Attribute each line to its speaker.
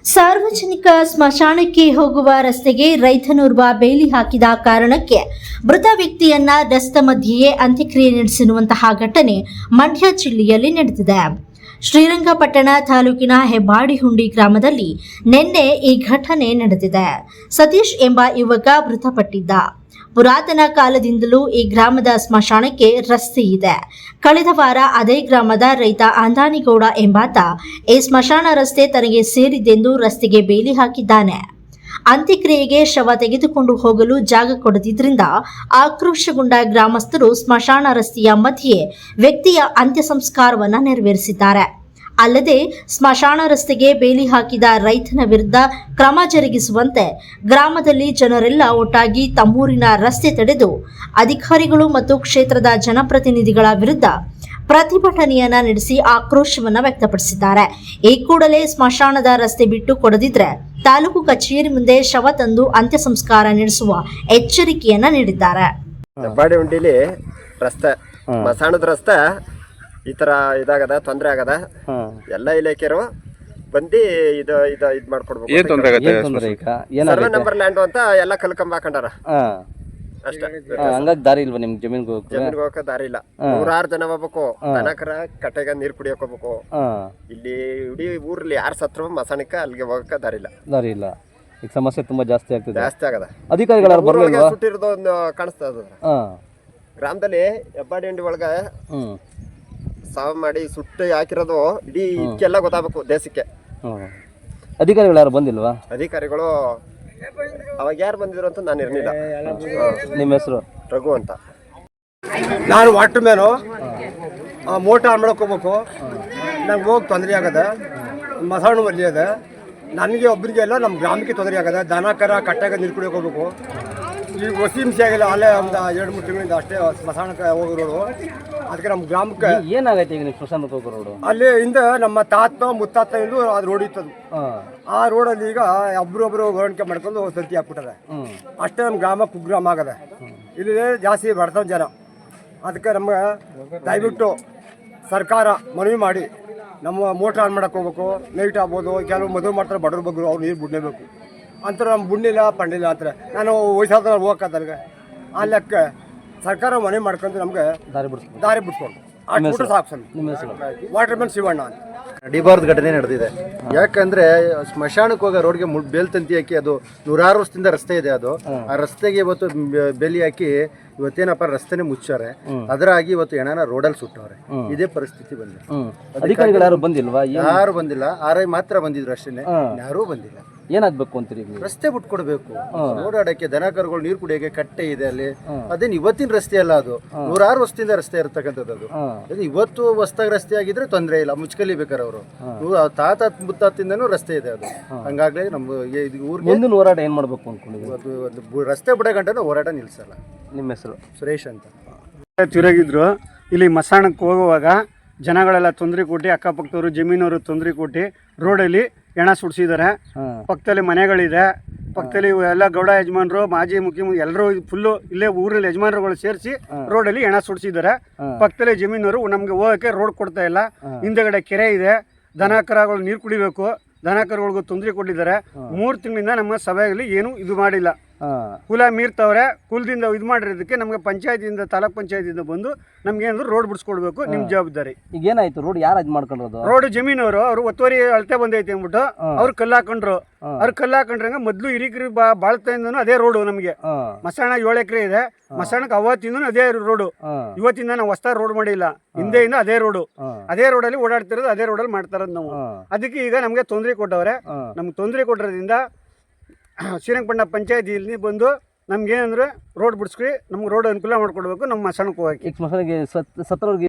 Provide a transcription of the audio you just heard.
Speaker 1: ಸಾರ್ವಜನಿಕ ಸ್ಮಶಾನಕ್ಕೆ ಹೋಗುವ ರಸ್ತೆಗೆ ರೈತನೋರ್ವ ಬೇಲಿ ಹಾಕಿದ ಕಾರಣಕ್ಕೆ ಮೃತ ವ್ಯಕ್ತಿಯನ್ನ ರಸ್ತೆ ಮಧ್ಯೆಯೇ ಅಂತ್ಯಕ್ರಿಯೆ ನಡೆಸಿರುವಂತಹ ಘಟನೆ ಮಂಡ್ಯ ಜಿಲ್ಲೆಯಲ್ಲಿ ನಡೆದಿದೆ. ಶ್ರೀರಂಗಪಟ್ಟಣ ತಾಲೂಕಿನ ಹೆಬ್ಬಾಡಿಹುಂಡಿ ಗ್ರಾಮದಲ್ಲಿ ನಿನ್ನೆ ಈ ಘಟನೆ ನಡೆದಿದೆ. ಸತೀಶ್ ಎಂಬ ಯುವಕ ಮೃತಪಟ್ಟಿದ್ದ. ಪುರಾತನ ಕಾಲದಿಂದಲೂ ಈ ಗ್ರಾಮದ ಸ್ಮಶಾನಕ್ಕೆ ರಸ್ತೆ ಇದೆ. ಕಳೆದ ವಾರ ಅದೇ ಗ್ರಾಮದ ರೈತ ಅಂದಾನಿಗೌಡ ಎಂಬಾತ ಈ ಸ್ಮಶಾನ ರಸ್ತೆ ತನಗೆ ಸೇರಿದ್ದೆಂದು ರಸ್ತೆಗೆ ಬೇಲಿ ಹಾಕಿದ್ದಾನೆ. ಅಂತ್ಯಕ್ರಿಯೆಗೆ ಶವ ತೆಗೆದುಕೊಂಡು ಹೋಗಲು ಜಾಗ ಕೊಡದಿದ್ರಿಂದ ಆಕ್ರೋಶಗೊಂಡ ಗ್ರಾಮಸ್ಥರು ಸ್ಮಶಾನ ರಸ್ತೆಯ ಮಧ್ಯೆ ವ್ಯಕ್ತಿಯ ಅಂತ್ಯ ಸಂಸ್ಕಾರವನ್ನು ನೆರವೇರಿಸಿದ್ದಾರೆ. ಅಲ್ಲದೆ ಸ್ಮಶಾನ ರಸ್ತೆಗೆ ಬೇಲಿ ಹಾಕಿದ ರೈತನ ವಿರುದ್ಧ ಕ್ರಮ ಜರುಗಿಸುವಂತೆ ಗ್ರಾಮದಲ್ಲಿ ಜನರೆಲ್ಲ ಒಟ್ಟಾಗಿ ತಮ್ಮೂರಿನ ರಸ್ತೆ ತಡೆದು ಅಧಿಕಾರಿಗಳು ಮತ್ತು ಕ್ಷೇತ್ರದ ಜನಪ್ರತಿನಿಧಿಗಳ ವಿರುದ್ಧ ಪ್ರತಿಭಟನೆಯನ್ನ ನಡೆಸಿ ಆಕ್ರೋಶವನ್ನ ವ್ಯಕ್ತಪಡಿಸಿದ್ದಾರೆ. ಈ ಕೂಡಲೇ ಸ್ಮಶಾನದ ರಸ್ತೆ ಬಿಟ್ಟು ಕೊಡದಿದ್ರೆ ತಾಲೂಕು ಕಚೇರಿ ಮುಂದೆ ಶವ ತಂದು ಅಂತ್ಯ ಸಂಸ್ಕಾರ ನಡೆಸುವ ಎಚ್ಚರಿಕೆಯನ್ನ ನೀಡಿದ್ದಾರೆ.
Speaker 2: ಹೆಬ್ಬಾಡಿಹುಂಡಿಲಿ ರಸ್ತೆ ಸ್ಮಶಾನದ ರಸ್ತೆ ಈ ತರ ಇದಾಗದ ತೊಂದರೆ ಆಗದ ಎಲ್ಲ ಇಲಾಖೆಯರು ಬಂದು ಇದು ಮಾಡ್ಕೊಡ್ಬೇಕು. ಸರ್ವೆ ನಂಬರ್ ಲ್ಯಾಂಡ್ ಅಂತ ಎಲ್ಲ ಕಲ್ಕಂಬ ಹಾಕೊಂಡಾರ ಅಷ್ಟೇ.
Speaker 3: ಹಂಗಾಗಿ ದಾರಿ ಇಲ್ವಾ ನಿಮ್ಗೆ ಜಮೀನ್ಗೆ
Speaker 2: ಹೋಗಕ್ಕೆ ದಾರಿ ಇಲ್ಲ. 100 ಜನ ಹೋಗ್ಬೇಕು. ದನಕರ ಕಟ್ಟೆಗೆ ನೀರ್ ಕುಡಿಯಕ್ ಹೋಗ್ಬೇಕು. ಇಲ್ಲಿ ಇಡೀ ಊರ್ಲಿ ಯಾರು ಸತ್ರು ಮಸಾಣಕ್ಕೆ ಅಲ್ಲಿಗೆ ಹೋಗಕ್ಕೆ ದಾರಿ ಇಲ್ಲ.
Speaker 3: ಈಗ ಸಮಸ್ಯೆ ತುಂಬಾ ಜಾಸ್ತಿ
Speaker 2: ಆಗದ.
Speaker 3: ಅಧಿಕಾರಿಗಳು
Speaker 2: ಸುಟ್ಟಿರೋದು ಒಂದು ಕಾಣಿಸ್ತಾ ಇದ ಗ್ರಾಮದಲ್ಲಿ. ಹೆಬ್ಬಾಡಿಹುಂಡಿ ಒಳಗ ಸಾವು ಮಾಡಿ ಸುಟ್ಟು ಹಾಕಿರೋದು ಇಡೀ ಇದಕ್ಕೆಲ್ಲ ಗೊತ್ತಾಗಬೇಕು ದೇಶಕ್ಕೆ.
Speaker 3: ಅಧಿಕಾರಿಗಳು ಯಾರು ಬಂದಿಲ್ವಾ?
Speaker 2: ಅಧಿಕಾರಿಗಳು ಅವಾಗ ಯಾರು ಬಂದಿದ್ರು ಅಂತ ನಾನು ಇರಲಿಲ್ಲ.
Speaker 3: ನಿಮ್ಮ ಹೆಸರು?
Speaker 2: ರಘು ಅಂತ.
Speaker 4: ನಾನು ವಾಟರ್ ಮ್ಯಾನು. ಮೋಟಾರ್ ಆನ್ ಮಾಡಕ್ಕೆ ಹೋಗ್ಬೇಕು. ನಂಗೆ ಹೋಗಿ ತೊಂದರೆ ಆಗದ. ಮಸಾಣ ಅಲ್ಲಿ ಅದ. ನನಗೆ ಒಬ್ಬರಿಗೆ ಎಲ್ಲ ನಮ್ಮ ಗ್ರಾಮಕ್ಕೆ ತೊಂದರೆ ಆಗದ. ದನ ಕರ ಕಟ್ಟಾಗ ನೀರು ಕುಡಿಯೋಕೆ ಹೋಗ್ಬೇಕು. ಈಗ ಹೊಸಿ ಹಿಂಸೆ ಆಗಿಲ್ಲ. ಅಲ್ಲೇ ಒಂದು 2-3 ತಿಂಗಳಿಂದ ಅಷ್ಟೇ ಸ್ಮಶಾನಕ್ಕೆ ಹೋಗಿರೋದು. ಅದಕ್ಕೆ ನಮ್ಮ ಗ್ರಾಮಕ್ಕೆ
Speaker 3: ಏನಾಗೈತೆ ಈಗ ನೀವು ಸ್ಮಶಾನಕ್ಕೆ ಹೋಗೋ ರೋಡು? ಅಲ್ಲಿ
Speaker 4: ಹಿಂದೆ ನಮ್ಮ ಮುತ್ತಾತ ಇಂದು ಅದು ರೋಡ್ ಇತ್ತದು. ಆ ರೋಡಲ್ಲಿ ಈಗ ಒಬ್ರೊಬ್ರು ಹೊರಣಿಕೆ ಮಾಡ್ಕೊಂಡು ಸಂತಿ ಹಾಕ್ಬಿಟ್ಟಾರೆ. ಅಷ್ಟೇ ನಮ್ಮ ಗ್ರಾಮ ಕುಗ್ರಾಮ ಆಗದೆ. ಇಲ್ಲಿ ಜಾಸ್ತಿ ಬಡತನ ಜನ. ಅದಕ್ಕೆ ನಮ್ಗೆ ದಯವಿಟ್ಟು ಸರ್ಕಾರ ಮನವಿ ಮಾಡಿ ನಮ್ಮ ಮೋಟ್ರ್ ಆನ್ ಮಾಡಕ್ಕೆ ಹೋಗ್ಬೇಕು. ನೈಟ್ ಆಗ್ಬೋದು. ಕೆಲವು ಮದುವೆ ಮಾಡ್ತಾರೆ ಬಡವ್ರ ಬಗ್ಗರು, ಅವ್ರು ನೀರು ಬಿಡಲೇಬೇಕು ಅಂತಾರೆ. ನಮ್ಮ ಬುಣ್ಣಿಲ್ಲ ಪಂಡಿಲ್ಲ ಅಂತಾರೆ. ನಾನು ವಯಸ್ಸಾದ ಹೋಗಕ್ಕಂತ ಆ ಲೆಕ್ಕ ಸರ್ಕಾರ ಮನೆ ಮಾಡ್ಕೊಂಡು ನಮ್ಗೆ ದಾರಿ ಬಿಡ್ಸ್ಕೊಂಡು ಅಷ್ಟು ಸಾಕು ಸರ್. ವಾಟರ್ ಮ್ಯಾನ್ ಶಿವಣ್ಣ ಅಂತ.
Speaker 5: ನಡಿಬಾರ್ದು ಘಟನೆ ನಡೆದಿದೆ. ಯಾಕಂದ್ರೆ ಸ್ಮಶಾನಕ್ಕೆ ಹೋಗೋ ರೋಡ್ಗೆ ಬೇಲ್ ತಂತಿ ಹಾಕಿ ಅದು 100 ವರ್ಷದಿಂದ ರಸ್ತೆ ಇದೆ. ಅದು ಆ ರಸ್ತೆಗೆ ಇವತ್ತು ಬೇಲಿ ಹಾಕಿ ಇವತ್ತೇನಪ್ಪ ರಸ್ತೆನೆ ಮುಚ್ಚಾರೆ. ಅದರಾಗಿ ಇವತ್ತು ಹೆಣನ ರೋಡಲ್ಲಿ ಸುಟ್ಟವ್ರೆ. ಇದೇ ಪರಿಸ್ಥಿತಿ ಬಂದಿದೆ.
Speaker 3: ಅಧಿಕಾರಿಗಳು ಯಾರು ಬಂದಿಲ್ವಾ?
Speaker 5: ಯಾರು ಬಂದಿಲ್ಲ. ಆರೈ ಮಾತ್ರ ಬಂದಿದ್ರು ಅಷ್ಟೇ, ಯಾರೂ ಬಂದಿಲ್ಲ.
Speaker 3: ಏನಾಗ್ಬೇಕು ಅಂತೀರಿ?
Speaker 5: ರಸ್ತೆ ಬಿಟ್ಕೊಡ್ಬೇಕು. ಓಡಾಡಕ್ಕೆ ದನ ಕರುಗಳು ನೀರು ಕುಡಿಯೋಕೆ ಕಟ್ಟೆ ಇದೆ ಅಲ್ಲಿ. ಅದೇನು ಇವತ್ತಿನ ರಸ್ತೆ ಅಲ್ಲ, ಅದು 100 ವರ್ಷದಿಂದ ರಸ್ತೆ ಇರ್ತಕ್ಕಂಥದ್ದು. ಅದು ಇವತ್ತು ಹೊಸದಾಗಿ ರಸ್ತೆ ಆಗಿದ್ರೆ ತೊಂದರೆ ಇಲ್ಲ, ಮುಚ್ಕಲಿಬೇಕಾರೆ ಅವರು. ತಾತ ಮುತ್ತಾತಿಂದನೂ ರಸ್ತೆ ಇದೆ ಅದು. ಹಂಗಾಗ್ಲೇ ನಮ್ಮ ಊರಿಗೆ
Speaker 3: ಮುಂದಿನ ಹೋರಾಟ ಏನ್ ಮಾಡ್ಬೇಕು ಅನ್ಕೊಂಡಿದ್ವಿ?
Speaker 5: ರಸ್ತೆ ಬಿಡೋ ಗಂಟೆ ಹೋರಾಟ ನಿಲ್ಸಲ್ಲ.
Speaker 3: ನಿಮ್ಮ ಹೆಸರು?
Speaker 5: ಸುರೇಶ್ ಅಂತ.
Speaker 4: ತಿರುಗಿದ್ರು. ಇಲ್ಲಿ ಮಸಾಣಕ್ಕೆ ಹೋಗುವಾಗ ಜನಗಳೆಲ್ಲ ತೊಂದರೆ ಕೊಟ್ಟು, ಅಕ್ಕಪಕ್ಕದವರು ಜಮೀನವರು ತೊಂದರೆ ಕೊಟ್ಟು ರೋಡಲ್ಲಿ ಹೆಣ ಸುಡಿಸಿದ್ದಾರೆ. ಪಕ್ಕದಲ್ಲಿ ಮನೆಗಳಿದೆ. ಪಕ್ಕದಲ್ಲಿ ಎಲ್ಲ ಗೌಡ ಯಜಮಾನರು, ಮಾಜಿ ಮುಖ್ಯಮಂತ್ರಿ ಎಲ್ಲರೂ ಫುಲ್ಲು ಇಲ್ಲೇ ಊರಲ್ಲಿ ಯಜಮಾನರುಗಳು ಸೇರಿಸಿ ರೋಡಲ್ಲಿ ಹೆಣ ಸುಡಿಸಿದ್ದಾರೆ. ಪಕ್ಕದಲ್ಲಿ ಜಮೀನವರು ನಮಗೆ ಹೋಗೋಕ್ಕೆ ರೋಡ್ ಕೊಡ್ತಾ ಇಲ್ಲ. ಹಿಂದೆಗಡೆ ಕೆರೆ ಇದೆ. ದನ ಕರುಗಳು ನೀರು ಕುಡಿಬೇಕು. ದನ ಕರುಗಳಿಗೂ ತೊಂದರೆ ಕೊಟ್ಟಿದ್ದಾರೆ. 3 ತಿಂಗಳಿಂದ ನಮ್ಮ ಸಭೆಯಲ್ಲಿ ಏನು ಇದು ಮಾಡಿಲ್ಲ. ಕುಲ ಮೀರ್ತವ್ರೆ. ಕುಲದಿಂದ ಇದು ಮಾಡಿರೋದಕ್ಕೆ ನಮಗೆ ಪಂಚಾಯತಿಯಿಂದ, ತಾಲೂಕ್ ಪಂಚಾಯತಿಯಿಂದ ಬಂದು ನಮ್ಗೆ ಏನಾದ್ರು ರೋಡ್ ಬಿಡಿಸ್ಕೊಡ್ಬೇಕು. ನಿಮ್ಮ ಜವಾಬ್ದಾರಿ.
Speaker 3: ಈಗ ಏನಾಯ್ತು? ರೋಡ್ ಯಾರು ಇದು ಮಾಡ್ಕೊಂಡ್ರದು?
Speaker 4: ರೋಡ್ ಜಮೀನವರು ಅವರು ಒತ್ತುವರಿ ಅಳತೆ ಬಂದೈತೆ ಅಂದ್ಬಿಟ್ಟು ಅವ್ರು ಕಲ್ಲು ಹಾಕೊಂಡ್ರು. ಅವ್ರು ಕಲ್ಲು ಹಾಕೊಂಡ್ರಂಗ ಮೊದ್ಲು ಹಿರಿಕರಿ ಬಾಳ್ತಿಂದನೂ ಅದೇ ರೋಡು. ನಮಗೆ ಮಸಾಣ 7 ಎಕರೆ ಇದೆ. ಮಸಾಣಕ್ಕೆ ಅವತ್ತಿಂದನೂ ಅದೇ ರೋಡು. ಇವತ್ತಿಂದ ನಾವು ಹೊಸ ರೋಡ್ ಮಾಡಿಲ್ಲ. ಹಿಂದೆಯಿಂದ ಅದೇ ರೋಡು. ಅದೇ ರೋಡಲ್ಲಿ ಓಡಾಡ್ತಿರೋದು, ಅದೇ ರೋಡಲ್ಲಿ ಮಾಡ್ತಾರದು ನಾವು. ಅದಕ್ಕೆ ಈಗ ನಮಗೆ ತೊಂದರೆ ಕೊಟ್ಟವ್ರೆ. ನಮ್ಗೆ ತೊಂದರೆ ಕೊಟ್ಟಿರೋದ್ರಿಂದ ಶ್ರೀರಂಗಪಟ್ಟಣ ಪಂಚಾಯತಿಯಲ್ಲಿ ಬಂದು ನಮ್ಗೆ ಏನಂದ್ರೆ ರೋಡ್ ಬಿಡಿಸ್ಕೊ, ನಮ್ಗೆ ರೋಡ್ ಅನುಕೂಲ ಮಾಡ್ಕೊಡ್ಬೇಕು. ನಮ್ಮ ಮಸಾಣಕ್ಕೆ ಹೋಗಕ್ಕೆ.
Speaker 3: ಈಗ ಸ್ಮಶಾನಕ್ಕೆ ಸತ್ತವ್ರಿಗೆ